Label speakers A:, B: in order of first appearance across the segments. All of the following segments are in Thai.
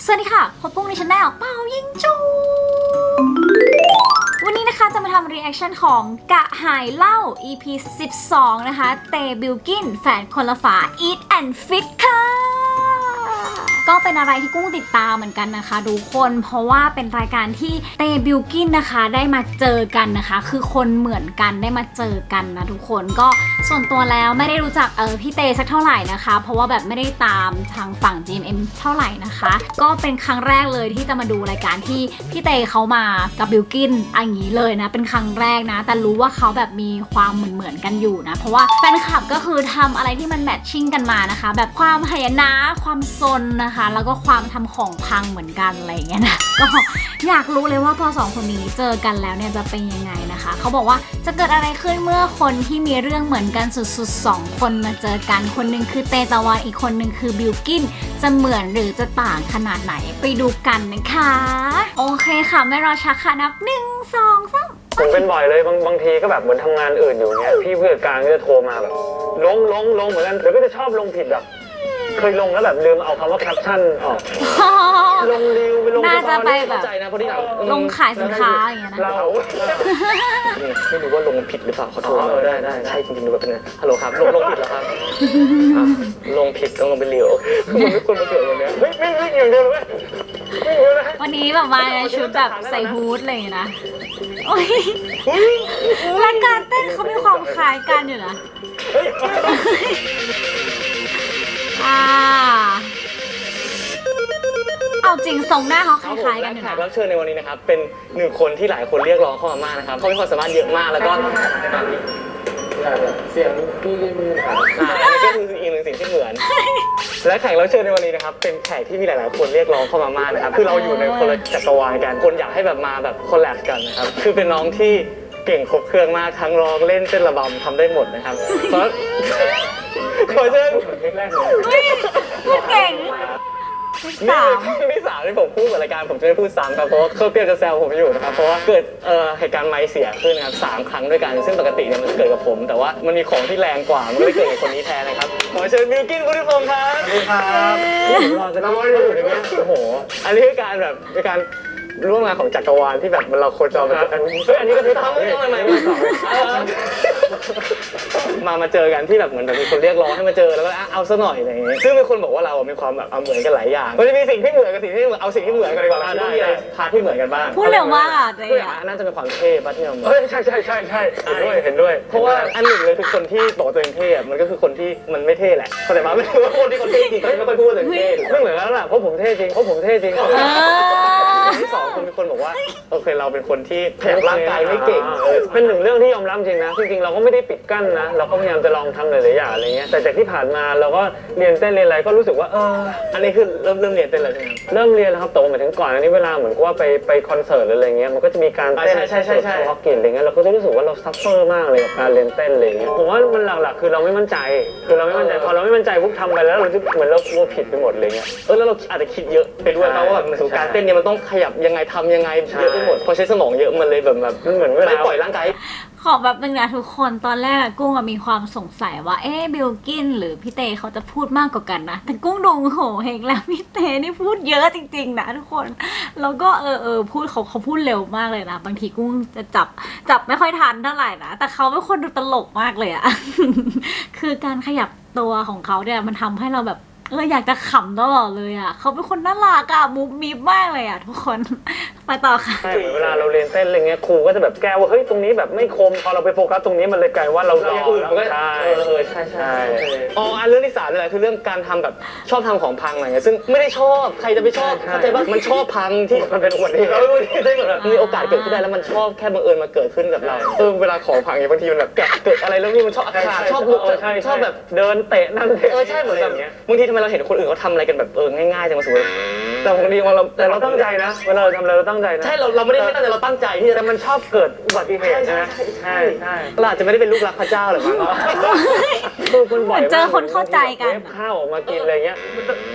A: สวัสดีค่ะพบปุ้งในชาแนลเป่ายิงจูวันนี้นะคะจะมาทำรีแอคชั่นของกะหายเหล้า EP 12 นะคะเตบิลกินแฟนคนละฝา Eat and Fit ค่ะก็เป็นอะไรที่กุ้งติดตามเหมือนกันนะคะทุกคนเพราะว่าเป็นรายการที่เตบิลกินนะคะได้มาเจอกันนะคะคือคนเหมือนกันได้มาเจอกันนะทุกคนก็ส่วนตัวแล้วไม่ได้รู้จักพี่เตสักเท่าไหร่นะคะเพราะว่าแบบไม่ได้ตามทางฝั่ง GMM เท่าไหร่นะคะก็เป็นครั้งแรกเลยที่จะมาดูรายการที่พี่เตเขามากับบิลกินอย่างนี้เลยนะเป็นครั้งแรกนะแต่รู้ว่าเขาแบบมีความเหมือนกันอยู่นะเพราะว่าแฟนคลับก็คือทำอะไรที่มันแมทชิ่งกันมานะคะแบบความหายนะความซนนะคะแล้วก็ความทำของพังเหมือนกันอะไรอย่างเงี้ยนะก็อยากรู้เลยว่าพอสองคนนี้เจอกันแล้วเนี่ยจะเป็นยังไงนะคะเขาบอกว่าจะเกิดอะไรขึ้นเมื่อคนที่มีเรื่องเหมือนกันสุดๆ2คนมาเจอกันคนหนึ่งคือเตตะวันอีกคนหนึ่งคือบิลกินจะเหมือนหรือจะต่างขนาดไหนไปดูกันนะคะโอเคค่ะไม่รอช้าค่ะนับ1 2 3
B: ผมเป็นบ่อยเลยบางทีก็แบบเหมือนทำงานอื่นอยู่เงี้ยพี่ผู้จัดการก็จะโทรมาแบบลงเหมือนกันเดี๋ยวก็จะชอบลงผิดแบบเคยลงแล้วแบบลืมเอาคำว่าแคปชั่นออกลงรีวไปลง
A: น่าจะไปแบบ
B: ใจนะเพราะที่
A: ลงขายสินค้าอย่างเงี้ยนะ
B: เราไม่รู้ว่าลงผิดหรือเปล่าขอโทษได้ใช่จริงๆดูแบบเป็นไงฮัลโหลครับลงผิดแล้วครับลงผิดต้องลงเป็นรีวมันไม่ควรมาเกิดวันนี้ไม่อย่างเดียวเลยไม่เยอะนะ
A: วันนี้แบบมาในชุดแบบใส่ฮูดเลยนะโอ้ยและการเต้นเขามีความคล้ายกันอยู่นะเอาจริงทรงหน้าเขาคล้ายๆกันอยู่
B: แข
A: นะ
B: กรับเชิญในวันนี้นะครับเป็นหนึ่งคนที่หลายคนเรียกร้องเข้ามามากนะครับเขามีความสามารถเยอะมากแล้วก็เสียงพี่เรียมืออันนี้ก็คืออีกหนึ่งสิ่งที่เหมือนและแขกรับเชิญในวันนี้นะครับเป็นแขกที่มีหลายๆคนเรียกร้องเข้ามามากนะครับคือเราอยู่ในคนละจักรวาลกันคนอยากให้แบบมาแบบคอลแลบกันนะครับคือเป็นน้องที่เก่งครบเครื่องมากทั้งร้องเล่นเต้นระบำทำได้หมดนะครับเพราะขอเชิญ
A: พูดเก่ง
B: นี่3ที่ผมพูดกับรายการผมจะไม่พูดซ้ำครับเพราะว่าเขาเตรียมจะแซวผมอยู่นะครับเพราะว่าเกิดเหตุการณ์ไม้เสียขึ้นนะครับ3 ครั้งด้วยกันซึ่งปกติเนี่ยมันเกิดกับผมแต่ว่ามันมีของที่แรงกว่ามันก็เลยเกิดกับคนนี้แทนนะครับขอเชิญบิลกินบุริพงศ์ครับสวัสดีครับรอจะนั่งอยู่อย่างเงี้ยโอ้โหอันนี้คือการแบบการร่วมงานของจักรวาลที่แบบเราโคจรมาอันนี้ก็คือต้องมาเจอกันที่แบบเหมือนแบบมีคนเรียกร้องให้มาเจอแล้วก็เอาซะหน่อยอะไรอย่างเงี้ยซึ่งมีคนบอกว่าเรามีความแบบเหมือนกันหลายอย่างมันจะมีสิ่งที่เหมือนกับสิ่งที่เอาสิ่งที่เหมือนกันดีกว่าได้พาที่เหมือนกันบ้าง
A: พูดเร็วมากอ่ะเจ๊
B: น่าจะเป็นความเท่ป่ะที่เราใช่เห็นด้วยเพราะว่าอันหนึ่งเลยคือคนที่บอกตัวเองเท่มันก็คือคนที่มันไม่เท่แหละเข้าใจมั้ยไม่รู้ว่าคนที่เขาเท่จริงเขาไม่ค่อยพูดเลยเท่ไม่เหมือนกันล่ะเพราะผมเท่จริงที่2คนมีคนบอกว่าโอเคเราเป็นคนที่แข็งร่างกายไม่เก่งเป็นหนึ่งเรื่องที่ยอมรับจริงนะจริงๆเราก็ไม่ได้ปิดกั้นนะเราก็พยายามจะลองทำหลายๆอย่างอะไรเงี้ยแต่จากที่ผ่านมาเราก็เรียนเต้นเรียนอะไรก็รู้สึกว่าอันนี้คือเริ่มเรียนเต้นแล้วใช่ไหมเริ่มเรียนแล้วครับแต่ว่าหมายถึงก่อนอันนี้เวลาเหมือนกับว่าไปคอนเสิร์ตอะไรเงี้ยมันก็จะมีการเต้นใช่โชว์กินอะไรเงี้ยเราก็จะรู้สึกว่าเราซัฟเฟอร์มากเลยกับการเรียนเต้นอะไรเงี้ยผมว่ามันหลักๆคือเราไม่มั่นใจพอเราไม่มั่นใจปุ๊บทำไปแล้วเราจะเหมือนเรากลัวผิดไปหมดเลยเงี้ยแล้วเราอาจจะคิดเยอะไปด้วยเพราะว่าแบบในการเต้นเนี่ยมันต้องขยับยังไงทำยังไงเยอะไปหมดพอใช้สมองเยอะมันเลยแบบมันเหมือนเวลาปล่อยร่างกาย
A: ขอแบบนึงนะทุกคนตอนแรกกุ้งมีความสงสัยว่าบิลกินหรือพี่เตเขาจะพูดมากกว่ากันนะแต่กุ้งดูโหเฮงแล้วพี่เตนี่พูดเยอะจริงๆนะทุกคนแล้วก็พูดเขาพูดเร็วมากเลยนะบางทีกุ้งจะจับไม่ค่อยทันเท่าไหร่นะแต่เขาเป็นคนดูตลกมากเลยอะ คือการขยับตัวของเขาเนี่ยมันทำให้เราแบบอยากจะขำตลอดเลยอ่ะเขาเป็นคนน่ารักอ่ะมุบมิบมากเลยอ่ะทุกคนไปต่อค่ะ
B: ใช่เหมือนเวลาเราเรียนเต้นอะไรเงี้ยครูก็จะแบบแก้ว่าเฮ้ยตรงนี้แบบไม่คมพอเราไปโฟกัสตรงนี้มันเลยกลายว่าเราอื่นก็ใช่เรื่องที่3นี่แหละคือเรื่องการทำแบบชอบทำของพังอะไรเงี้ยซึ่งไม่ได้ชอบใครจะไปชอบเข้าใจป่ะมันชอบพังที่มันเป็นอุบัติเหตุได้แบบมีโอกาสเกิดขึ้นได้แล้วมันชอบแค่บังเอิญมาเกิดขึ้นกับเราเวลาของพังอย่างบางทีมันแบบเกิดอะไรแล้วนี่มันชอบขาดชอบแบบเดินเตะนั่นเตะใช่เหมือนแบบบางทีทำไมเราเห็นคนอื่นเขาทำอะไรกันแบบง่ายๆจังมาสวยแต่บางทีเราตั้งใจนะเวลาเราทำอะไรเราตั้งใจนะใช่เราไม่ได้ตั้งใจเราตั้งใจที่แต่มันชอบเกิดอุบัติเหตุใช่ไหมใช่เราอาจจะไม่ได้เป็นลูกรักพระเจ้าหรือมั้งคือคนบ่อย
A: เจอคนเข้าใจกัน
B: ข้าวออกมากินอะไรเงี้ย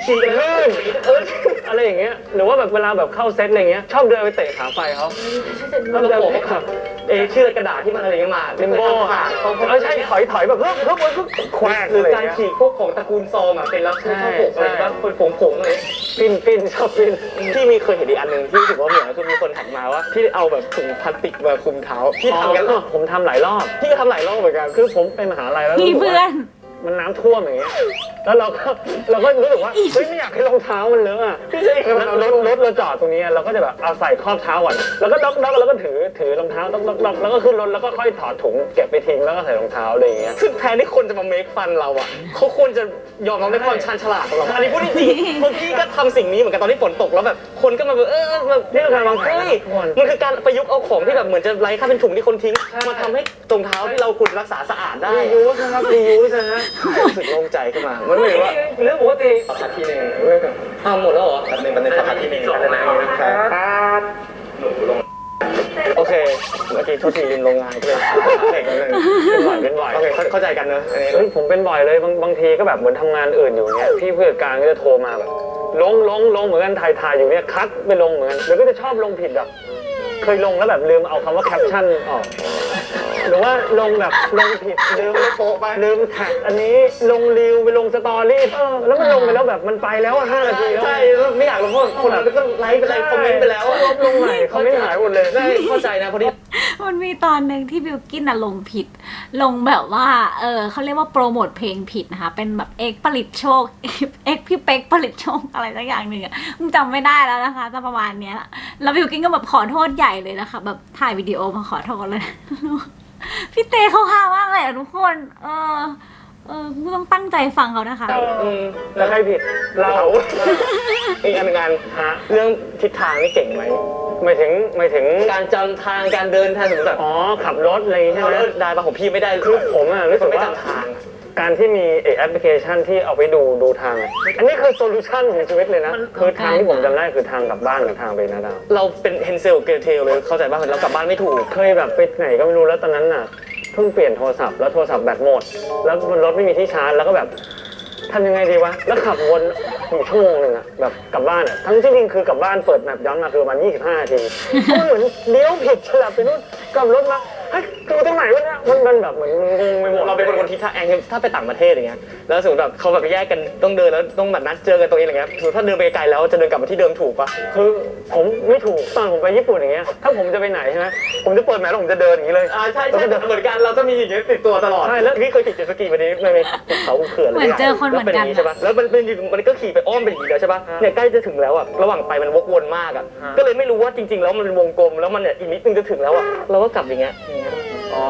B: ฉีกลื่นอะไรอย่างเงี้ยหรือว่าแบบเวลาแบบเข้าเซตอะไรเงี้ยชอบเดินไปเตะขาไฟเขาแล้วแบบผมขับชื่อกระดาษที่มันอะไรเงี้ยมาลิมโบ้ใช่ถอยแบบเพิ่มแควกหรือการฉีกพวกของตระกูลซอมเป็นแล้วข้าวผงอะไรบ้างผงเลยฟินชอบฟินที่มีเคยเห็นอีกอันหนึ่งที่รู้สึกว่าเหมือนคือมีคนถัดมาว่าที่เอาแบบถุงพลาสติกมาคลุมเท้าที่ทำกันผมทำหลายรอบที่ทำหลายรอบเหมือนกันคือผมไปมหาลัยแล้ว
A: มีเพื่อน
B: มันน้ำท่วมอย่างเงี้ยแล้วเราก็รู้สึกว่าเฮ้ยไม่อยากให้รองเท้ามันเลอะอ่ะรถเราจอดตรงนี้เราก็จะแบบเอาใส่ครอบเท้าก่อนแล้วก็ด็อกแล้วก็ถือรองเท้าด็อกแล้วก็ขึ้นรถแล้วก็ค่อยถอดถุงเก็บไปทิ้งแล้วก็ใส่รองเท้าอะไรอย่างเงี้ยซึ่งแทนที่คนจะมาเมคฟันเราอ่ะเขาควรจะยอมรับในความชาญฉลาดของเราอันนี้พูดจริงๆบางทีก็ทำสิ่งนี้เหมือนกันตอนที่ฝนตกแล้วแบบคนก็มาแบบแบบนี่คือการวางแผนมันคือการประยุกต์เอาของที่แบบเหมือนจะไร้ค่าเป็นถุงที่คนทิ้งมาทำให้รองเท้าที่เราควรรักษาสะอาดได้รียูสนะครับรียูสนะรู้สึกโล่งใจขึ้นมามันเหมือนว่าเรื่องปกติขอคัดที่หนึ่งหมดแล้วเหรอปันหนึ่งขอคัดที่หนึ่งอะไรนะครับหนูลงโอเคเมื่อกี้ทุกทีลืมโรงงานก็เลยเด็กเลยเป็นบ่อยโอเคเข้าใจกันเนอะอันนี้ผมเป็นบ่อยเลยบางทีก็แบบเหมือนทำงานอื่นอยู่เนี้ยพี่ผู้จัดการก็จะโทรมาแบบลงเหมือนกันถ่ายอยู่เนี้ยคัดไปลงเหมือนกันแล้วก็จะชอบลงผิดแบบเคยลงแล้วแบบลืมเอาคำว่าแคปชั่นออกหรือว่าลงแบบลงผิดลืมโป๊ะไปลืมแท็กอันนี้ลงรีวไปลงสตอรี่แล้วมันลงไปแล้วแบบมันไปแล้วอ่ะ5 นาทีแล้วใช่ไม่อยากลงเพราะคนอ่ะก็ไลค์ไปคอมเมนต์ไปแล้วลบลงใหม่เขาไม่หายหมดเลยใช่เข้าใจนะพอดี
A: มันมีตอนหนึ่งที่บิวกินลงผิดลงแบบว่าเขาเรียกว่าโปรโมทเพลงผิดนะคะเป็นแบบเอ็กผลิตโชคเอ็กพี่เป๊กผลิตโชคอะไรสักอย่างหนึ่งอะจำไม่ได้แล้วนะคะจะประมาณเนี้ยแล้วบิวกินก็แบบขอโทษใหญ่เลยนะคะแบบถ่ายวิดีโอมาขอโทษเลยพี่เต้เขาฮามากเลยทุกคนกูต้องตั้งใจฟังเขานะคะ
B: แล้วใครผิดเราอีกอันงานเรื่องทิศทางนี่เก่งไหมหมายถึงการจำทางการเดินทางสมมติแบบขับรถอะไรใช่ไหมได้ป่ะของพี่ไม่ได้คือผมอ่ะรู้สึกว่าการที่มีแอปพลิเคชันที่เอาไปดูทางอันนี้คือโซลูชันของชีวิตเลยนะคือทางที่ผมจำได้คือทางกลับบ้านกับทางไปนาดาวเราเป็นเฮนเซลเกเทลเลยเข้าใจป่ะเรากลับบ้านไม่ถูกเคยแบบไปไหนก็ไม่รู้แล้วตอนนั้นน่ะเพิ่งเปลี่ยนโทรศัพท์แล้วโทรศัพท์แบตหมดแล้วรถไม่มีที่ชาร์จแล้วก็แบบทำยังไงดีวะแล้วขับวน1 ชั่วโมงนึงอะแบบกลับบ้านอะทั้งที่จริงคือกลับบ้านเปิดแมปย้อนมาคือประมาณ25 นาทีมันเหมือนเลี้ยวผิดฉลับไปนู่นกลับรถมาเฮ้ยคือตรงไหนวะเนี่ยมันแบบเหมือนงงไปหมดเราเป็นคนที่ถ้าไปต่างประเทศอย่างเงี้ยแล้วสมมติแบบเขาแบบแยกกันต้องเดินแล้วต้องแบบนัดเจอกันตรงนี้อะไรเงี้ยสมมติถ้าเดินไปไกลแล้วจะเดินกลับมาที่เดิมถูกปะคือผมไม่ถูกตอนผมไปญี่ปุ่นอย่างเงี้ยถ้าผมจะไปไหนใช่ไหมผมจะเปิดแมปแล้วผมจะเดินอย่างนี้เลยใช่เหมือนกันเราจะมีอย่างเงี้ยติดตัวตลอดใช่แล้วพี่เคยขี่เจ็ตสกีวันนี้ไม่เขาเขื่อน
A: เหมือนเจอคนเหมือนกัน
B: ใช่ปะแล้วมันก็ขี่ไปอ้อมไปอย่างนี้แล้วใช่ปะเนี่ยใกล้จะถึงแล้วอ่ะระหว่างไปมันวกวนมากอ่ะก็เลยไม่รู้ว่าจริงๆแล้วมันเป็นวงกลมแล้วมันเนี่ยอีกนิดนึงจะถึงแล้วอ่ะเราก็กลับอย่างเงี้ยอ๋อ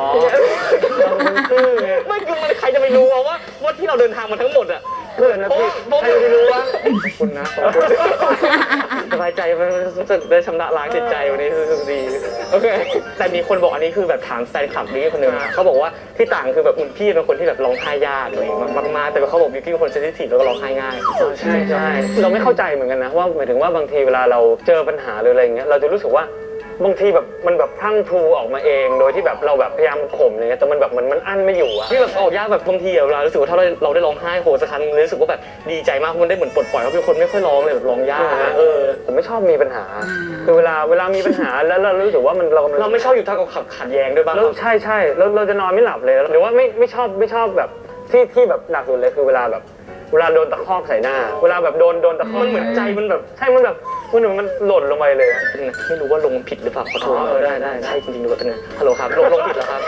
B: ไม่คือมันใครจะไปรู้ว่าที่เราเดินทางมาทั้งหมดอ่ะเพื่อนนะพี่ใครจะไปรู้วะขอบคุณนะสบายใจมันจะได้ชำระล้างจิตใจวันนี้รู้สึกดีโอเคแต่มีคนบอกอันนี้คือแบบถามแฟนคลับนี่คนนึงเขาบอกว่าที่ต่างคือแบบคุณพี่เป็นคนที่แบบร้องไห้ยากอะไรมากๆแต่เขาบอกบิวกี้เป็นคนเซนซิทีฟแล้วก็ร้องไห้ง่ายใช่เราไม่เข้าใจเหมือนกันนะว่าหมายถึงว่าบางทีเวลาเราเจอปัญหาหรืออะไรเงี้ยเราจะรู้สึกว่าบางทีแบบมันแบบพรั่งพรูออกมาเองโดยที่แบบเราแบบพยายามข่มอะไรเงี้ยแต่มันแบบมันอั้นไม่อยู่อะที่แบบออกยากแบบบางทีเวลารู้สึกว่าถ้าเราได้ร้องไห้โหสักครั้งรู้สึกว่าแบบดีใจมากมันได้เหมือนปลดปล่อยเพราะเป็นคนไม่ค่อยร้องเลยแบบร้องยากนะผมไม่ชอบมีปัญหาคือเวลามีปัญหาแล้วเรารู้สึกว่าเราไม่ชอบอยู่ท่ากับขัดแย้งด้วยบ้างใช่เราจะนอนไม่หลับเลยหรือว่าไม่ชอบแบบที่แบบหนักสุดเลยคือเวลาโดนตะคอกใส่หน้าเวลาแบบโดนตะคอกมันเหมือนใจมันแบบใช่มันแบบมันหล่นลงไปเลยไม่รู้ว่าลงผิดหรือเปล่าขอโทษได้จริงๆดูว่าเป็นไงฮัลโหลครับลงผิดแล้วครับ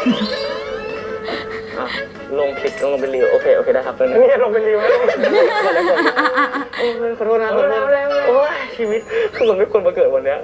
B: ลงผิดลงเป็นรีวโอเคได้ครับนี่ลงเป็นรีวขอโทษนะโอ้ยชีวิตคือมันไม่ควรมาเกิดวันนี้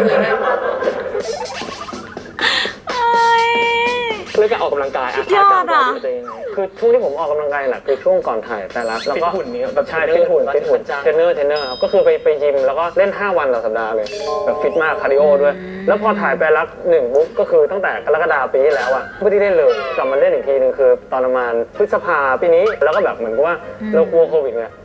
B: เรื่องการออกกำลังกาย
A: ยอดอ่ะ
B: คือช่วงที่ผมออกกำลังกายแหละคือช่วงก่อนถ่ายแต่ละแล้วก็หุ่นนี้แบบใช่ฟิตหุ่นเทรนเนอร์ครับก็คือไปยิมแล้วก็เล่น5 วันต่อสัปดาห์เลยแบบฟิตมากคาร์ดิโอด้วยแล้วพอถ่ายไปรัก1บุ๊กก็คือตั้งแต่กรกฎาคมปีที่แล้วอ่ะไม่ได้เล่นเลยกลับมาเล่นอีกทีนึงคือตอนประมาณพฤษภาปีนี้แล้วก็แบบเหมือนกับว่าเรากลัวโควิดเนี่ย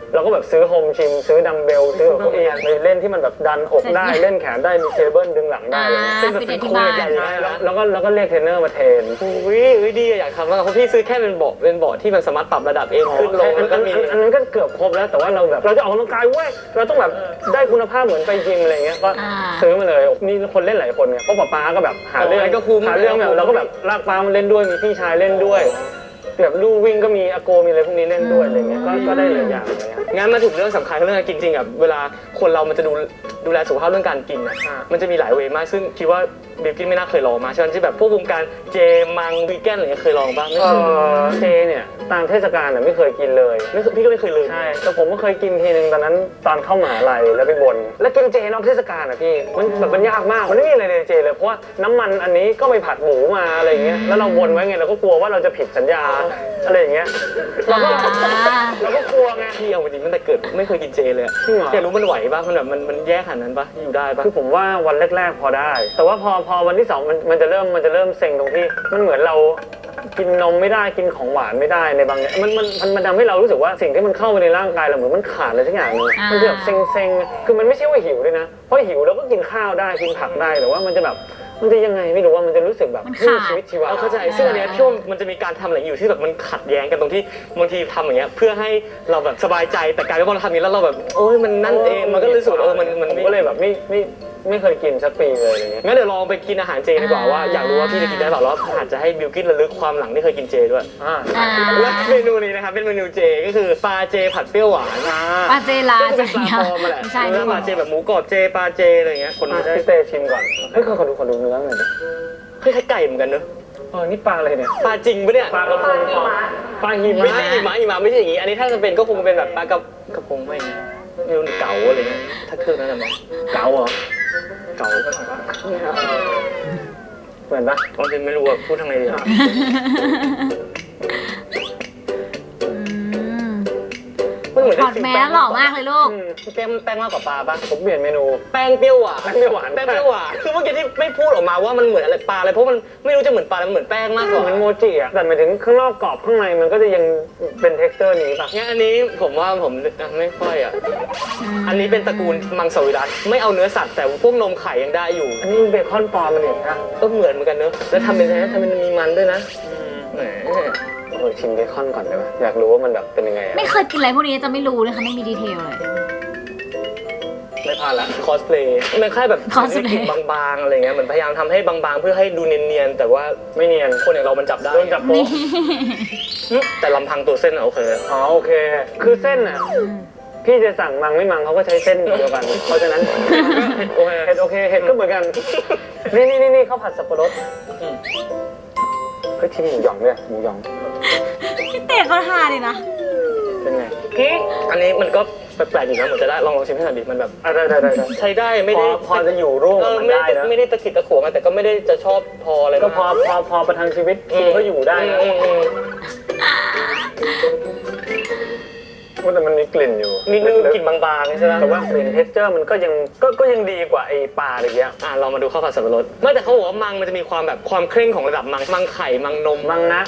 B: เราก็แบบซื้อโฮมจิมซื้อดัมเบลซื้อเก้าอี้ไปเล่นที่มันแบบดันอกได้เล่นแขนได้มีเคเบิลดึงหลังได้ซึ่งแบบเป็นโค้ชใหญ่แล้วก็เรียกเทรนเนอร์มาเทรน
C: อุ้ยดีอยากทำมากเพราะพี่ซื้อแค่เป็นเบาะที่มันสามารถปรับระดับเองขึ้นลงแล้วก็มี
B: อันนั้นก็เกือบครบแล้วแต่ว่าเราแบบเราจะออกกำลังกายเว้ยเราต้องแบบได้คุณภาพเหมือนไปยิมอะไรเงี้ยก็ซื้อมาเลยนี่คนเล่นหลายคนเนี่ยเพราะป๊าก็แบบหาเรื่องแบบเราก็แบบลากป๊ามาเล่นด้วยมีพี่ชายเล่นด้วยแบบลู่วิ่งก็มีอาโกมีอะไรพวกนี้เล่นด้วยอะไรเงี้ยก็ได้หลายอย่างอะไรเงี้ย
C: งั้นมาถึงเรื่องสำคัญเรื่องการกินจริงอ่ะเวลาคนเรามันจะดูแลสุขภาพเรื่องการกินอ่ะมันจะมีหลายเวย์มากซึ่งคิดว่าบิลกิ้นไม่น่าเคยลองมาฉะนั้นที่แบบพวกวงการเจมังวีแกนอะไรเคยลองบ้างไม่เคย
B: เจเนี่ยตามเทศกาลไม่เคยกินเลย
C: พี่ก็ไม่เคยเลย
B: ใช่แต่ผมก็เคยกินทีนึงตอนนั้นตอนเข้ามหาลัยแล้วไปบนแล้วกินเจนอกเทศกาลอ่ะพี่มันแบบมันยากมากมันไม่มีอะไรในเจเลยเพราะว่าน้ำมันอันนี้ก็ไปผัดหมูมาอะไรเงี้ยแล้วเราบนไว้ไงเราก็กลัวว่าเราจะผิดสัญญาอะไรอย่างเงี้ยเราก็กลัวไง
C: พี่เอาจริงตั้งแต่เกิดไม่เคยกินเจเลยอยากรู้มันไหวป่ะมันแบบมันแย่ขนาดนั้นป่ะอยู่ได้ป่ะ
B: คือผมว่าวันแรกๆพอได้แต่ว่าพอวันที่2มันจะเริ่มเซ็งตรงที่มันเหมือนเรากินนมไม่ได้กินของหวานไม่ได้ในบางอย่างมันทำให้เรารู้สึกว่าสิ่งที่มันเข้าไปในร่างกายเราเหมือนมันขาดอะไรสักอย่างนึงมันจะแบบเซ็งคือมันไม่ใช่ว่าหิวด้วยนะเพราะหิวเราก็กินข้าวได้กินผักได้แต่ว่ามันจะแบบมันจะยังไงไม่รู้ว่ามันจะรู้สึกแบบ
A: ชี
B: วิตชีวา
C: เข้าใจซึ่งอันนี้ช่วงมันจะมีการทำอะไรอยู่ที่แบบมันขัดแย้งกันตรงที่บางทีทำอย่างเงี้ยเพื่อให้เราแบบสบายใจแต่กลายเป็นว่าเราทำอย่างนี้แล้วเราแบบโอ้ยมันนั่นเองมันก็รู้สึกมัน
B: ก็เลยแบบไม่เคยกินสักปีเลยอย่างเงี้ย
C: งั้นเดี๋ยวลองไปกินอาหารเจดีกว่าว่าอยากรู้ว่าพี่จะกินได้หรือเปล่าแล้วอาจจะให้บิลกิ้นระลึกความหลังที่เคยกินเจด้วยและเมนูนี้นะครับเป็นเมนูเจก็คือปลาเจผัดเปรี้ยวหวาน
A: ปลาเจลา
C: จะเป็นปลาปลอมมาแหละเนื้อปลาเจแบบหมูกรอบเจปลาเจอะไรเงี้ยคน
B: ไม่ได้พี่เตชิมก่อนเฮ้ยขอดูเนื้อหน่อยดิ
C: คล้ายๆไก่เหมือนกันเนอะ
B: นี่ปลาอะไรเนี่ย
C: ปลาจริงปะเนี่ย
B: ปลากระพงปลาหิมะ
C: ไม่ใช่หิมะไม่ใช่อย่างงี้อันนี้ถ้าจะเป็นก็คงเป็นแบบปลากระพงไม่รู้เก๋าอะไรเงี้ยถ้าเครื่องนั้นนะมั้ง
B: เก๋าเหรอ
C: เก๋า
B: เหมือนปะ
C: ตอนนี้ไม่รู้ว่าพูดทางไหนดีมันเหมือน
A: ถอดแมสหล่อมากเลยลูก
C: แป้งมากกว่าปลาปะ
B: ผมเปลี่ยนเมนู
C: แป้งเปรี้ยวหวานคือเมื่อกี้ที่ไม่พูดออกมาว่ามันเหมือนอะไรปลาอะไรเพราะมันไม่รู้จะเหมือนปลาแล้วเหมือนแป้งมากกว่า
B: มันโมจิอ่ะแต่หมายถึงข้างนอกกรอบข้างในมันก็จะยังเป็น texture นี้ป่ะ
C: งั้นอันนี้ผมว่าผมไม่ค่อยอ่ะอันนี้เป็นตระกูลมังสวิรัติไม่เอาเนื้อสัตว์แต่พวกนมไข่ยังได้อยู่
B: อันนี้เบคอนปลอมมันเนี่ยนะ
C: ก็เหมือนกันเนอะแล้วทำเป็นมีมันด้วยนะแหม
B: ชิมเบคอนก่อนได้ไหมอยากรู้ว่ามันแบบเป็นยังไง
A: ไม่เคยกินอะไรพวกนี้จะไม่รู้นะคะไม่มีดีเทลเลย
C: ไม่พลาดละคอสเพลย์มันแค่แบบบางๆอะไรเงี้ยเหมือนพยายามทำให้บางๆเพื่อให้ดูเนียนๆแต่ว่า
B: ไม่เนียน
C: คนอย่างเรามันจับได้
B: โดนจับโป๊ะ
C: แต่ลำพังตัวเส้นโอเค
B: โอเคคือเส้นอ่ะพี่จะสั่งมังไม่มังเขาก็ใช้เส้นเดียวกันเพราะฉะนั้นเห็ดโอเคเห็ดก็เหมือนกันนี่ข้าวผัดสับปะรดเฮ้ยชิมหมูหยองด้วยหมูหยอง
A: พี่เต๋ก็ทานเลยนะ
B: เป็นไง
C: อันนี้มันก็แปลกๆอยู่นะเหมือนจะได้ลองชิมให้หน่อยดิมันแบบ
B: ได้
C: ใช้ได้ไม่ได้
B: พอจะอยู่ร่วมมันได้นะ
C: ไม่ได้ตะขิดตะขวงแต่ก็ไม่ได้จะชอบพออะไร
B: ก็พอประทังชีวิตกินก็อยู่ได้นะแต่มันมีกลิ่นอยู่
C: นิดนึงกลิ่นบางๆใช่ไหม
B: แต่ว่ากลิ่นเทสเจอร์มันก็ยังดีกว่าไอ้ปลาอะไรเงี้ย
C: เรามาดูข้าวผัดสับปะรดไม่แต่เขาบอกว่ามังมันจะมีความแบบความเคร่งของระดับมังไข่มังนม
B: มังนะ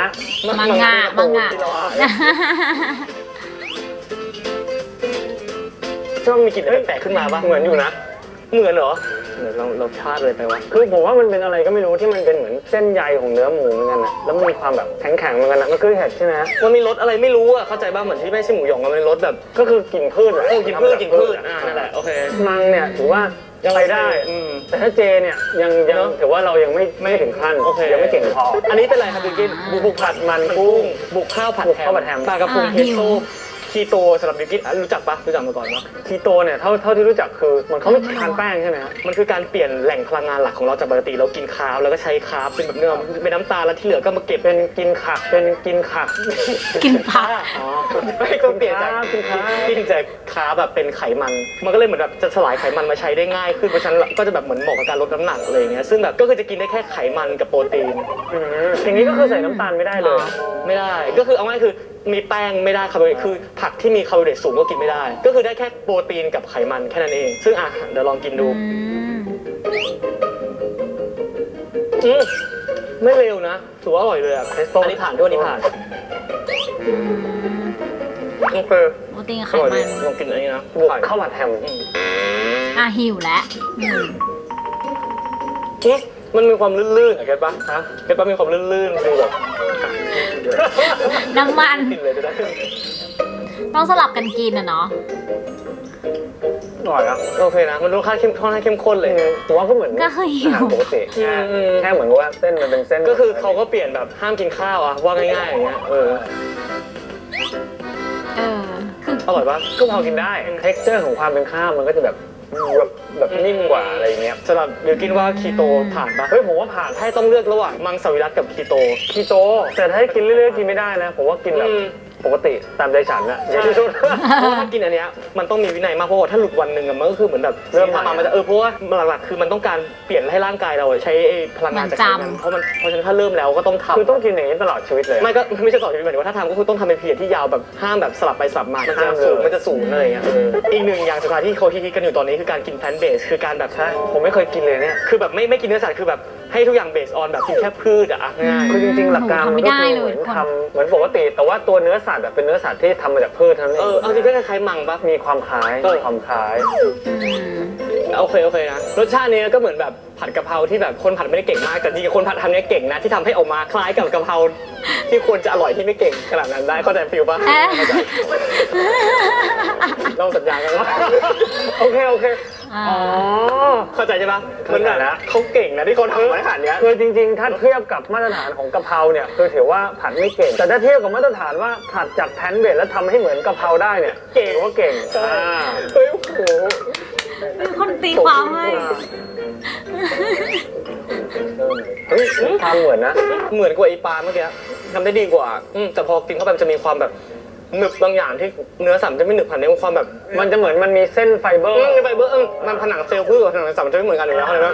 C: ช่วงมีกลิ่นแปลกขึ้นมาป่ะ
B: เหมือนอยู่นะ
C: เหมือนเหรอเราพลาดเลยไปวะ
B: คือผมว่ามันเป็นอะไรก็ไม่รู้ที่มันเป็นเหมือนเส้นใยของเนื้อหมูเหมือนกันนะแล้วมันมีความแบบแข็งๆเหมือนกันนะมันคือเห็ดใช่ไหม
C: มันมีรสอะไรไม่รู้อ่ะเข้าใจบ้างเหมือนที่ไม่ใช่หมูหยองมันเป็นรสแบบ
B: ก็คือกลิ่นพืช
C: กลิ่นพืชนั่นแหละโอเค
B: มังเนี่ยถือว่ายังไปได้แต่ถ้าเจเนี่ยยังถือว่าเรายังไม่ถึงขั้นยังไม่เก่งพอ
C: อันนี้เป็นอะไรครับบิลกิ้น
B: บุกผัดมันกุ้ง
C: บุกข้าวผัดแฮมปลากระพงเทสโต้คีโตสำหรับบิลกิ้นรู้จักมาก่อนปะ
B: คีโตเนี่ยเท่าที่รู้จักคือมันเขาไม่ทานแป้งใช่ไหมครับ
C: มันคือการเปลี่ยนแหล่งพลังงานหลักของเราจากปกติเรากินคาร์บแล้วก็ใช้คาร์บเป็นแบบเนื้อเป็นน้ำตาลแล้วที่เหลือก็มาเก็บ
B: เป็นกินผัก
A: กินผัก
C: ไม่ก็เปลี่ยนจากกินจากคาร์บแบบเป็นไขมันก็เลยเหมือนแบบจะสลายไขมันมาใช้ได้ง่ายขึ้นเพราะฉะนั้นก็จะแบบเหมือนเหมาะกับการลดน้ำหนักอะไรอย่างเงี้ยซึ่งแบบก็คือจะกินได้แค่ไขมันกับโปรตีน
B: อย่างนี้ก็คือใส่น้ำตาลไม่ได้เลย
C: ไม่ได้ก็คือเอาง่ายคือมีแป้งไม่ได้คาร์โบไฮเดรตคือผักที่มีคาร์โบไฮเดรตสูงก็กินไม่ได้ก็คือได้แค่โปรตีนกับไขมันแค่นั้นเองซึ่งเดี๋ยวลองกินดูไม่เร็วนะถือว่าอร่อยเลยอันนี้ผ่านด้วยอันนี้ผ่านโอเค
A: ตีนกับไข
C: อร่อย
A: มั
C: ดี
A: น
C: ลองกินอันนี้นะ
B: บวกข้าวผัดแฮม
A: หิวแล้ว
C: มันมีความลื่นๆอะเก็ตปะเก็ตปะมีความลื่นๆคือแบบ
A: น้ำมัน
C: กินเลยจะได้
A: ต้องสลับกันกินเนาะ
B: อร่อยนะ
C: โอเคนะมันรสชาติค่อนข้างเข้มข้นเลย
B: ผมว่าก็เหมือน
A: ก็คือหิ
B: อาหาร
A: ว
B: ปกติแค่เหมือนกับว่าเส้นมันเป็นเส้น
C: ก็คือเขาก็เปลี่ยนแบบห้ามกินข้าวอะว่าง่ายๆอย่างเงี้ย
A: คือ
C: อร่อยปะ
B: ก็พอกินได้ texture ของความเป็นข้าวมันก็จะแบบนิ่มกว่าอะไรอย่างเงี้ย
C: สำหรับบิวกินว่าคีโตผ่านปะ
B: เฮ้ยผมว่าผ่าน
C: ให้ต้องเลือกระหว่างมังสวิรัติกับคีโต
B: คีโตแต่ถ้าให้กินเรื่อยๆกินไม่ได้นะผมว่ากินแบบปกติตามใจฉันอะอย่างที่สุด
C: เพราะว่าถ้ากินอันเนี้ยมันต้องมีวินัยมากเพราะว่าถ้าหลุดวันหนึ่งอะมันก็คือเหมือนแบบเริ่มทำมามันจะเพราะว่าหลักๆคือมันต้องการเปลี่ยนให้ร่างกายเราใช้พลังงานจากมันเพราะฉะนั้นถ้าเริ่มแล้วก็ต้องทำ
B: คือต้องกินอย่างนี้ตลอดชีวิตเลย
C: ไม่ใช่ต่อชีวิตหมายถึงว่าถ้าทำก็คือต้องทำเป็นเพียรที่ยาวแบบห้ามแบบสลับไปสลับมามันจะสูงอะไรอย่างเงี้ยอีกหนึ่งอย่างสุดท้ายที่เขาคิดกันอยู่ตอนนี้คือการกินแพลนเบสคือการแบบ
B: ผมไม่เคยกินเลยเนี่ย
C: คือแบบไม่กินเนื้อสัตว์คือแบบให้ทุกอย่างเบสออนแบบกินแค่พืชอะง่าย
B: คือจริงๆหลักการมันก็คือเหมือนทำเหมือนปกติแต่ว่าตัวเนื้อสัตว์เป็นเนื้อสัตว์ที่ทำมาจากพืชทั้งนั้น
C: เอาจริงก็คล้ายๆมังปะ
B: มีความคล้ายความคล้าย
C: โอเคนะรสชาตินี้ก็เหมือนแบบผัดกะเพราที่แบบคนผัดไม่ได้เก่งมากแต่จริงๆคนผัดทำเนี้ยเก่งนะที่ทำให้ออกมาคล้ายกับกะเพราที่ควรจะอร่อยที่ไม่เก่งขนาดนั้นได้เข้าใจฟิลปะเราสัญญากันว่า
B: โอเค
C: เข้าใจใช่ปะมันแบบเขาเก่งนะที่เขาทำไว้ขนาดเนี้ย
B: คือจริงๆถ้าเทียบกับมาตรฐานของกะเพราเนี่ยคือถือว่าผัดไม่เก่งแต่ถ้าเทียบกับมาตรฐานว่าผัดจากแพนเบสแล้วทำให้เหมือนกะเพราได้เนี่ยเก่งว่าเก่ง
C: เฮ้ยโอ้โห
A: มีคนตีความให้
B: เฮ้ยทำเหมือนนะ
C: เหมือนกว่าไอปลาเมื่อกี้ทำได้ดีกว่าแต่พอกินเข้าไปมันจะมีความแบบหนึบบางอย่างที่เนื้อสัตว์จะไม่หนึบผ่านในความแบบ
B: มันจะเหมือนมันมีเส้นไฟเบอร์
C: มันผนังเซลล์พืชกับผนังสัตว์มันจะไม่เหมือนกันอยู่แล้วเลยนะ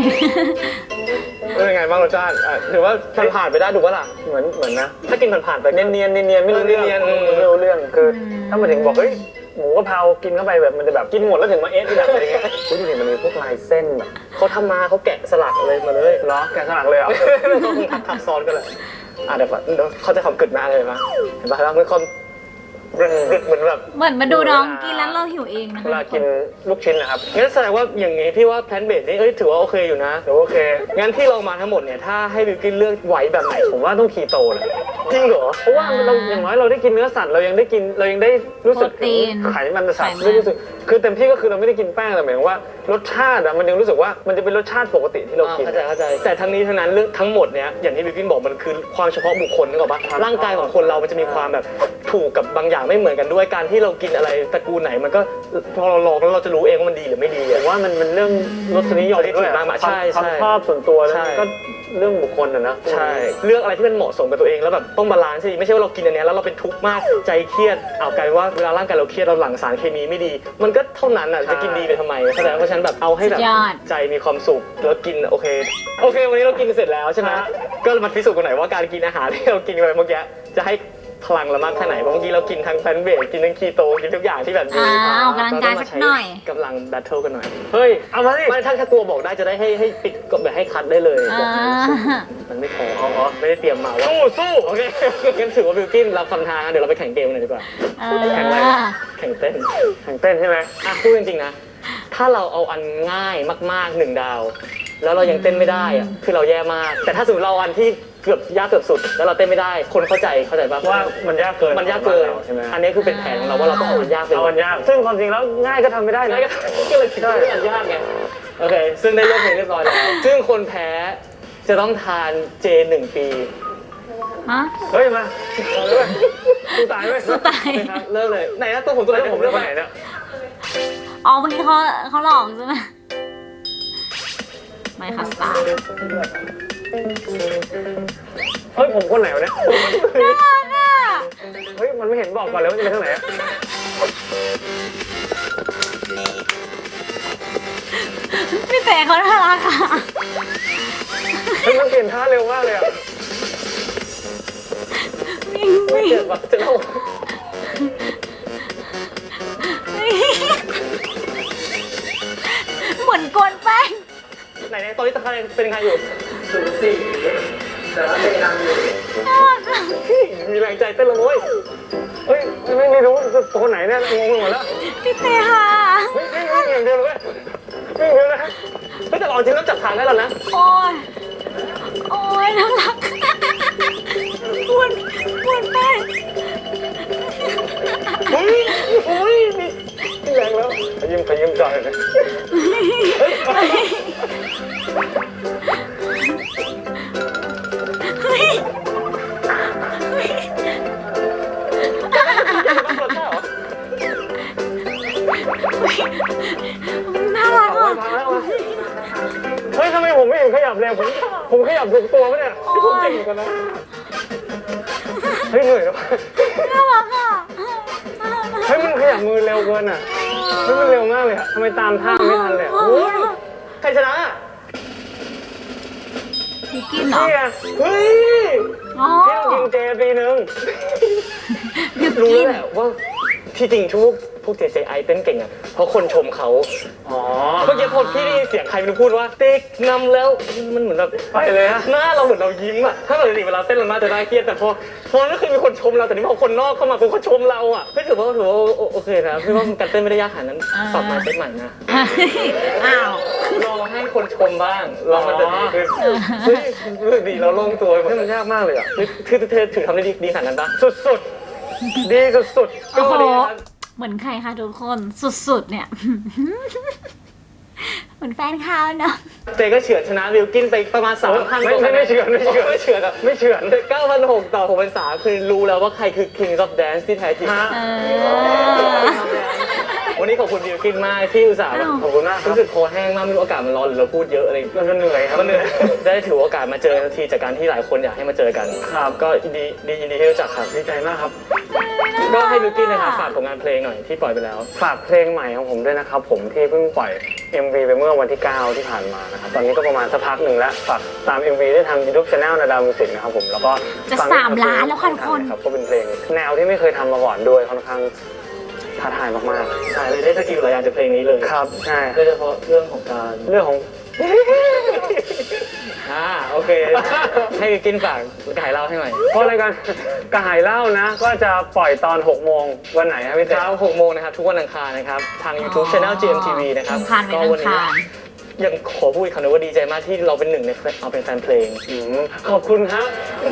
C: เป็นยังไงบ้างรสชาติถือว่าผ่านไปได้ถูกปะล่ะ
B: เหมือนนะ
C: ถ้ากินผ่านๆไป
B: เนียนไม่รู้เรื่องคือถ้ามาถึงบอกเฮ้ยหมูกะเพรากินเข้าไปแบบมันจะแบบกินหมดแล้วถึงมาที่แบบอะไรเงี้ยดูดิมันมีพวกลายเส้นแบบ
C: เขาทำมาเขาแกะสลักเลยมาเลย
B: เหรอแกะสลักเลยเหรอ
C: เขาคงทับซ้อนกันเลยเดี๋ยวเขาจะทำกึดหน้าเลยปะเห็นปะแล้วมันคนเหมือนแบบ
A: เหมือนมาดูน้องกินแล้วเราหิวเองนะคะ
B: เวลากินลูกชิ้นนะครับ
C: งั้นแสดงว่าอย่างงี้พี่ว่าแพลนเบสนี่ถือว่าโอเคอยู่นะ
B: ถือว่าโอเค
C: งั้นที่เรามาทั้งหมดเนี่ยถ้าให้บิวกินเลือกไหวแบบไหน
B: ผมว่าต้องคีโตแหละ
C: จริงเหรอ
B: เพราะว่าเราอย่างน้อยเราได้กินเนื้อสัตว์เรายังได้รู้สึกถึงไขมันสัตว์ไม่รู้สึกคือเต็มที่ก็คือเราไม่ได้กินแป้งแต่หมายถึงว่ารสชาติมันยังรู้สึกว่ามันจะเป็นรสชาติปกติที่เรากิน
C: เข้าใจแต่ทั้งนี้ทั้งนั้นเรื่องทั้งหมดเนี่ยอย่างที่บิวกินบอกมันคือความเฉพาะบุคคลนึกออกปะร่างกายของคนเรามันจะมีความแบบถูกกับบางอย่างไม่เหมือนกันด้วยการที่เรากินอะไรตระกูลไหนมันก็พอเราลองแล้วเราจะรู้เองว่ามันดีหรือไม่ดี
B: ผมว่ามันเรื่องรสนิยมด้วยความชอบส่วนตัวแล้วก็เรื่องบุคคลนะ
C: ใช่เลือกอะไรที่มันเหมาะสมกับตัวเองแล้วแบบต้องบาลานซ์สิไม่ใช่ว่าเรากินอันนี้แล้วเราเป็นทุกข์มากใจเครียดเอากลายว่าเวลาร่างกายเราเครียดเราหลั่งสารเคมีไม่ดีมันก็เท่านั้นอ่ะจะกินดีไปทำไมเพราะฉะนั้นแบบเอาให้แบบใจมีความสุขแล้วกินโอเควันนี้เรากินเสร็จแล้วใช่ไหมก็มาพิสูจน์กันหน่อยว่าการกินอาหารที่เรากินไปเมื่อกี้จะให้พลังเรามากแค่ไหนบางทีเรากินทั้งแพลนเบสกินทั้งคีโตกินทุกอย่างที่แบบนี้
A: ออกกำลังกายสักหน่อย
C: กำลังแบทเทิลกันหน่อย
B: เฮ้ยเอามาสิ
C: ไม่ถ้ากลัวบอกได้จะได้ให้ปิดก็แบบให้คัดได้เลยมันไม่พอไม่ได้เตรียมมาว่าสู้โอเคงั้นถือว่าบิวกิ้นรับคำท้าเดี๋ยวเราไปแข่งเกมกันดีกว่าแข่งอะไรแข่งเต้นใช่ไหมพูดจริงๆนะถ้าเราเอาอันง่ายมากๆ1 ดาวแล้วเรายังเต้นไม่ได้อะคือเราแย่มากแต่ถ้าสมมติเราอันที่เกือบยากเกือบสุดแล้วเราเต้นไม่ได้คนเข้าใจป่ะ
B: ว่ามันยากเกิน
C: ใช่ไหมอันนี้คือเป็นแผนของเราว่าเราต้องเอาอันยาก
B: เอาอันยากซึ่งความจริงแล้วง่ายก็ทำไม่ได้นะ
C: ก็เลยคิดว่าอันยากไงโอเคซึ่งได้เลือกเพลงเรียบร้อยแล้วซึ่งคนแพ้จะต้องทานเจ1 ปี
B: เฮ้ยมาสู้ตายไหม
C: เริ่มเลยไหนนะตัวผมเริ่ม
B: ไหนเนี่ย
A: อ๋อเมื่อกี้เขาหลอกใช่ไหมไม่ค่ะสตาร์
B: เฮ้ยผมคนไหนวะเนี่ย
A: น่ารักอ่ะ
B: เฮ้ยมันไม่เห็นบอกก่อนเลยว่าจะไปทางไหน
A: พี่เต๋เขาน่ารักอ่ะ
B: เฮ้ยมันเปลี่ยนท่าเร็วมากเลยอ่ะ
C: จะเล่า
A: เหมือนกวนแป้ง
C: ไหนตอนนี้ตะคาเป็นใครอยู่0-4แต่ว่าเป็นนำอยู่มีแรงใจเต้นละโว้ย
B: เฮ้ยไม่รู้ตัวไหนเนี่ยงงไปหมดแล้ว
A: พี่เต้ค่ะ
B: วิ่งอย่างเดียวเลยวิ่งเดียวเลยแต่เราจริงแล้วจับทางได้แล้วนะ
A: โอ้ยโอ้ยน่ารักวนไป
B: อุ้ยนี่แรงแล้วขยิ้มจอยเลย
A: น่ารักอ่ะ
B: เฮ้ยทำไมผมไม่เห็นขยับเลยผมขยับถูกตัวปะเนี่ยผมเก่งเหมือนกันนะเฮ้ยเหนื่อยแล้ว
A: น่ารักอ่ะ
B: เฮ้ยมันขยับมือเร็วเกินอ่ะเฮ้ยมันเร็วมากเลยอ่ะทำไมตามท่าไม่ทันเลยโอ้ยใครชนะ
A: บิวกินเหรอ
B: เฮ้ย
A: อ๋อ
B: ที่เรากินเจปีนึง
A: บิว
B: รู้
A: กิน
B: แหละว่าที่จริงพวก JJI เต้นเก่งอ่ะเพราะคนชมเขาเมื่อกี้พอพี่ได้ยินเสียงใครมันพูดว่าติ๊กนำแล้วมันเหมือนแบบไปเลยฮะหน้าเราเหมือนเรายิ้มอ่ะถ้าปกติเวลาเต้นเราน่าจะได้เครียดแต่พอไม่เคยมีคนชมเราแต่นี่พอคนนอกเข้ามาเป็นคนชมเราอ่ะถือว่าโอเคนะพี่ว่าการเต้นไม่ได้ยากขนาดนั้นปรับมาเต้นใหม่นะ
A: อ้าว
B: ลองให้คนชมบ้างลองมันจะดีขึ้นเฮ้ยรู้สึกดีเราลงตัวมันยากมากเลยอ่ะคือเธอถือทำได้ดีขนาดนั้นปะสุดๆดีสุดๆก็พอดีครับ
A: เหมือนใครคะทุกคนสุดๆเนี่ย เหมือนแฟนเขาเนาะ
B: เจก็เฉือนชนะวิลกินไปประมาณ 3,000 ไม่เฉือนแต่ 9,600 ต่อ 6,300 คือรู้แล้วว่าใครคือ King of Dance ที่แท้จริงวันนี้ขอบคุณวิลกินมากที่อุตส่าห์ขอบคุณมากรู้สึกคอแห้งมากไม่รู้อากาศมันร้อนหรือเราพูดเยอะอะไรมันเหนื่อยครับมันเหนื่อยได้ถือโอกาสมาเจอกันทีจากการที่หลายคนอยากให้มาเจอกันครับก็ยินดีที่รู้จักครับดีใจมากครับก็ให้วิลกินนะครับฝากผลงานเพลงหน่อยที่ปล่อยไปแล้วฝากเพลงใหม่ของผมด้วยนะครับผมที่เพิ่งปล่อย MV ไปเมื่อวันที่ 9 ที่ผ่านมานะครับตอนนี้ก็ประมาณสักพักหนึ่งแล้วฝากตาม MV ได้ทาง YouTube Channel นาดาวมิวสิกนะครับผมแล้วก็
A: จะ3 ล้านแล้วค่ะทุกคน
B: ครับก็เป็นเพลงแนวที่ไม่เคยทำมาก่อนด้วยค่อนข้างท้าทายมากๆใช่เลยได้สกิลหลายอย่างจากเพลงนี้เลยครับใช่โดยเฉพาะเรื่องของโอเคให้กินฝากกระหายเล่าให้หน่อยเพราะรายการกระหายเล่านะก็จะปล่อยตอน 6 โมงวันไหนครับพี่เช้า 6 โมงนะครับทุกวันอังคารนะครับทาง YouTube Channel GMTV นะครับก็วันนี้ยังขอพูดอีกคำนึงว่าดีใจมากที่เราเป็นหนึ่งในเอาเป็นแฟนเพลงขอบคุณครับ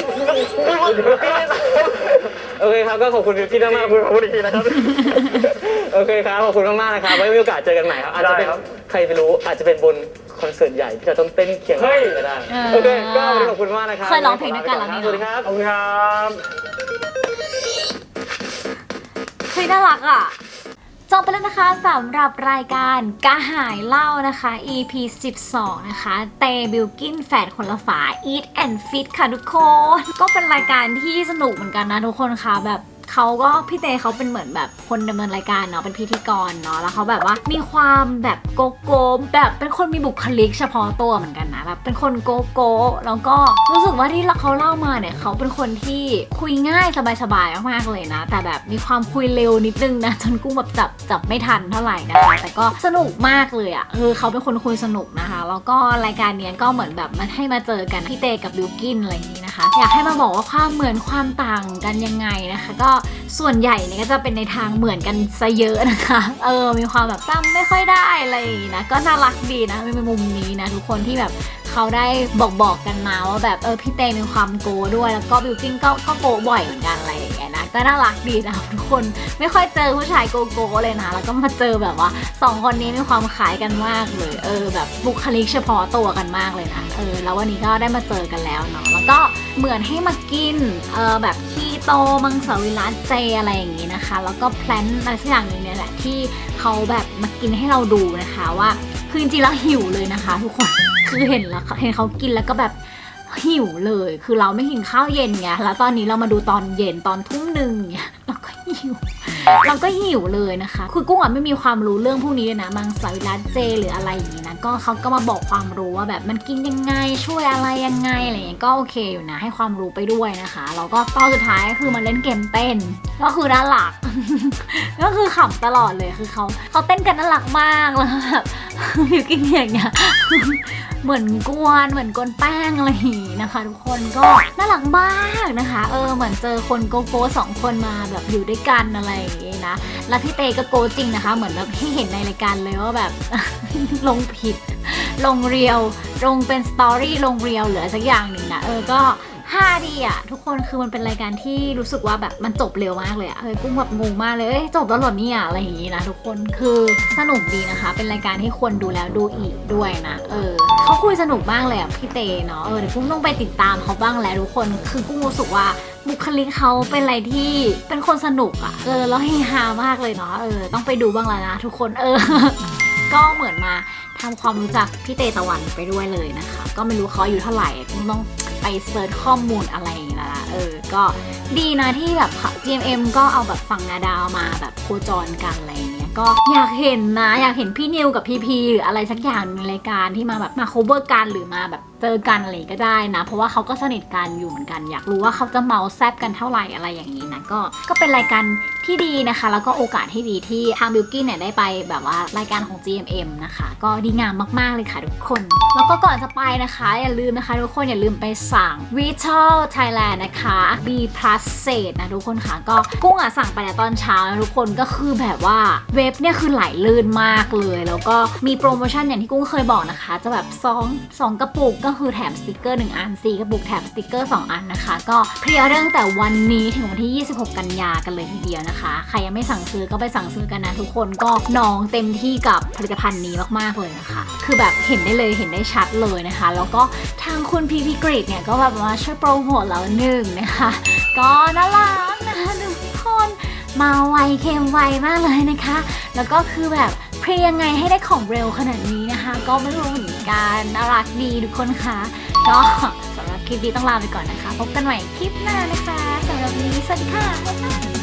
B: โอเคครับก็ขอบคุณพี่มากขอบคุณอีกทีนะครับโอเคครับขอบคุณมากๆนะครับไว้มีโอกาสเจอกันใหม่ครับอาจจะเป็นใครไม่รู้อาจจะเป็นบนคอนเสิร์ตใหญ่ที่จะต้องเต้นเคียงกันก็ได้โอเคก็ขอบคุณมากนะครับ
A: เคยร้องเพลงด้วยกันแล้วนี่
B: สวัสดีครับขอบคุณครับ
A: เฮ้ยน่ารักอ่ะจบไปแล้วนะคะสำหรับรายการกระหายเล่านะคะ EP 12 นะคะเตบิลกินแฝดคนละฝา Eat and Fit ค่ะทุกคนก็เป็นรายการที่สนุกเหมือนกันนะทุกคนค่ะแบบเขาก็พี่เตเขาเป็นเหมือนแบบคนดำเนินรายการเนาะเป็นพิธีกรเนาะแล้วเขาแบบว่ามีความแบบโกโก้แบบเป็นคนมีบุคลิกเฉพาะตัวเหมือนกันนะแบบเป็นคนโกโก้แล้วก็รู้สึกว่าที่เขาเล่ามาเนี่ยเขาเป็นคนที่คุยง่ายสบายๆมากๆเลยนะแต่แบบมีความคุยเร็วนิดนึงนะจนกุ้งแบบจับไม่ทันเท่าไหร่นะคะแต่ก็สนุกมากเลยอ่ะเขาเป็นคนคุยสนุกนะคะแล้วก็รายการเนี้ยก็เหมือนแบบมันให้มาเจอกันพี่เตกับบิลกินอะไรอย่างนี้นะคะอยากให้มาบอกว่าความเหมือนความต่างกันยังไงนะคะก็ส่วนใหญ่เนี่ยก็จะเป็นในทางเหมือนกันซะเยอะนะคะมีความแบบจำไม่ค่อยได้อะไรนะก็น่ารักดีนะในมุมนี้นะทุกคนที่แบบเขาได้บอกกันมาว่าแบบพี่เตมีความโกด้วยแล้วก็บิวกิ้งก็โกบ่อยเหมือนกันอะไรอย่างเงี้ยนะก็น่ารักดีนะทุกคนไม่ค่อยเจอผู้ชายโกเลยนะแล้วก็มาเจอแบบว่า2 คนนี้มีความคล้ายกันมากเลยแบบบุคลิกเฉพาะตัวกันมากเลยนะแล้ววันนี้ก็ได้มาเจอกันแล้วเนาะแล้วก็เหมือนให้มากินแบบคีโตมังสวิรัติเจอะไรอย่างงี้นะคะแล้วก็แพลนอะไรสักอย่างนึงเนี่ยแหละที่เขาแบบมากินให้เราดูนะคะว่าคือจริงๆแล้วหิวเลยนะคะทุกคนคือเห็นเขากินแล้วก็แบบหิวเลยคือเราไม่กินข้าวเย็นไงแล้วตอนนี้เรามาดูตอนเย็นตอน 19:00 เนี่ยเราก็หิวเลยนะคะคือกุ้งไม่มีความรู้เรื่องพวกนี้เลยนะมังสวิรัติเจหรืออะไรอย่างนี้นะก็เขาก็มาบอกความรู้ว่าแบบมันกินยังไงช่วยอะไรยังไงอะไรอย่างเงี้ยก็โอเคอยู่นะให้ความรู้ไปด้วยนะคะแล้วก็ตอนสุดท้ายก็คือมาเล่นเกมเต้นก็คือน่ารัก ก็คือขำตลอดเลยคือเขาเต้นกันน่ารักมากแล้วแบบบิวกิ้นอย่างเงี้ยเหมือนกวนแป้งอะไรอย่างงี้นะคะทุกคนก็น่ารักมากนะคะเหมือนเจอคนโกโก้2 คนมาแบบอยู่ด้วยกันอะไรอย่างงี้นะแล้วพี่เตก็โกจริงนะคะเหมือนแบบให้เห็นในรายการเลยว่าแบบ ลงผิดลงเรียวลงเป็นสตอรี่ลงเรียวเหลือสักอย่างหนึ่งนะก็5 ดีอ่ะทุกคนคือมันเป็นรายการที่รู้สึกว่าแบบมันจบเร็วมากเลยอ่ะกุ้งแบบงงมากเลยจบแล้วเหรอเนี่ยอะไรอย่างงี้นะทุกคนคือสนุกดีนะคะเป็นรายการที่ควรดูแล้วดูอีกด้วยนะเขาคุยสนุกมากเลยอ่ะพี่เตเนาะเดี๋ยวกุ้งต้องไปติดตามเขาบ้างแล้วทุกคนคือกุ้งรู้สึกว่าบุคลิกเขาเป็นอะไรที่เป็นคนสนุกอ่ะแล้วเฮฮามากเลยเนาะต้องไปดูบ้างแล้วนะทุกคนก็เหมือนมาทำความรู้จักพี่เตตะวันไปด้วยเลยนะคะก็ไม่รู้เขาอายุเท่าไหร่ต้องไปเซิร์ชข้อมูลอะไรอย่างเงี้ยละก็ดีนะที่แบบ GMM ก็เอาแบบฝั่งนาดาวมาแบบโคจรกันอะไรอย่างเงี้ยก็อยากเห็นพี่นิวกับพี่พีหรืออะไรสักอย่างในรายการที่มาแบบมาโคเวอร์กันหรือมาแบบเจอกันอะไรก็ได้นะเพราะว่าเขาก็สนิทกันอยู่เหมือนกันอยากรู้ว่าเขาจะเมาแซบกันเท่าไหร่อะไรอย่างนี้นะก็เป็นรายการที่ดีนะคะแล้วก็โอกาสที่ดีที่ทางบิลกิ้นเนี่ยได้ไปแบบว่ารายการของ GMM นะคะก็ดีงามมากๆเลยค่ะทุกคนแล้วก็ก่อนจะไปนะคะอย่าลืมนะคะทุกคนอย่าลืมไปสั่ง Vital Thailand นะคะ B+ Set นะทุกคนค่ะก็กุ้งสั่งไปตอนเช้านะทุกคนก็คือแบบว่าเว็บเนี่ยคือไหลลื่นมากเลยแล้วก็มีโปรโมชั่นอย่างที่กุ้งเคยบอกนะคะจะแบบ2 กระปุกก็คือแถมสติกเกอร์1 อัน4 กระปุกแถมสติกเกอร์2 อันนะคะก็พรีออเดอร์ตั้งแต่วันนี้ถึงวันที่26 กันยากันเลยทีเดียวนะคะใครยังไม่สั่งซื้อก็ไปสั่งซื้อกันนะทุกคนก็น้องเต็มที่กับผลิตภัณฑ์นี้มากๆเลยนะคะคือแบบเห็นได้เลยเห็นได้ชัดเลยนะคะแล้วก็ทางคุณพีพีกริดเนี่ยก็แบบมาช่วยโปรโมทเรา1นะคะก็น่ารักนะคะทุกคนมาไวเค็มไวมากเลยนะคะแล้วก็คือแบบเพรียยังไงให้ได้ของเร็วขนาดนี้นะคะก็ไม่รู้เหมือนกันน่ารักดีทุกคนค่ะก็สำหรับคลิปนี้ต้องลาไปก่อนนะคะพบกันใหม่คลิปหน้านะคะสำหรับวันนี้สวัสดีค่ะบ๊ายบาย